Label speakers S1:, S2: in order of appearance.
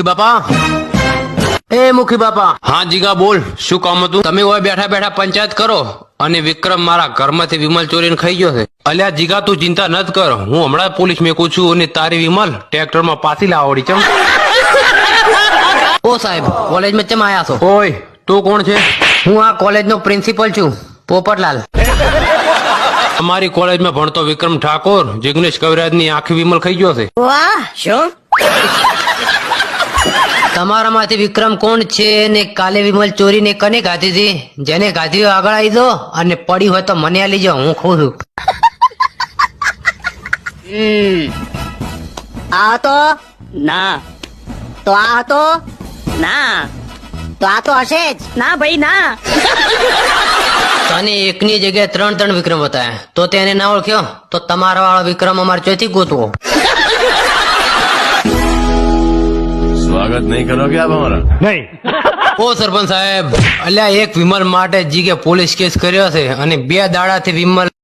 S1: મુખી બાપા, એ મુખી બાપા. હા જીગા બોલ, શું કામ હતું? તમે હવે બેઠા બેઠા પંચાયત કરો અને વિક્રમ મારા ઘરમાંથી વિમલ ચોરીને ખાઈ ગયો છે. અલ્યા જીગા તું ચિંતા નત કર, હું હમણાં પોલીસ મેકું છું અને તારી વિમલ ટ્રેક્ટરમાં પાછી લાવડી. ચમ
S2: ઓ સાહેબ, કોલેજમાં ચમ આયા છો?
S1: ઓય તું કોણ છે?
S2: હું આ કોલેજનો પ્રિન્સિપલ છું, પોપટલાલ.
S1: અમારી કોલેજમાં ભણતો વિક્રમ ઠાકોર જિગ્નેશ કવિરાજની આખી વિમલ ખાઈ ગયો છે.
S3: વાહ, શું?
S2: તમારામાંથી વિક્રમ કોણ છે ને કાલે વિમલ ચોરીને કને ગાધી હતી? જેને ગાધી હોય આગળ આવી દો અને પડી હોય તો મને આલી જાઓ, હું ખુશ છું.
S3: આ હતો ના, તો આ હતો ના, તો આ તો હશે જ ના ભાઈ ના.
S2: તને એકની જગ્યાએ ત્રણ ત્રણ વિક્રમ બતાવ્યા તો તેને ના ઓળખ્યો તો તમારા વાળો વિક્રમ અમારે ચોથી ગોતવો.
S4: स्वागत नहीं करोगे आप हमारा?
S1: નહીં. ઓ સરપંચ સાહેબ, અલ્યા એક વિમલ માટે જીગે પોલીસ કેસ કર્યો છે અને 2 દાડાથી વિમલ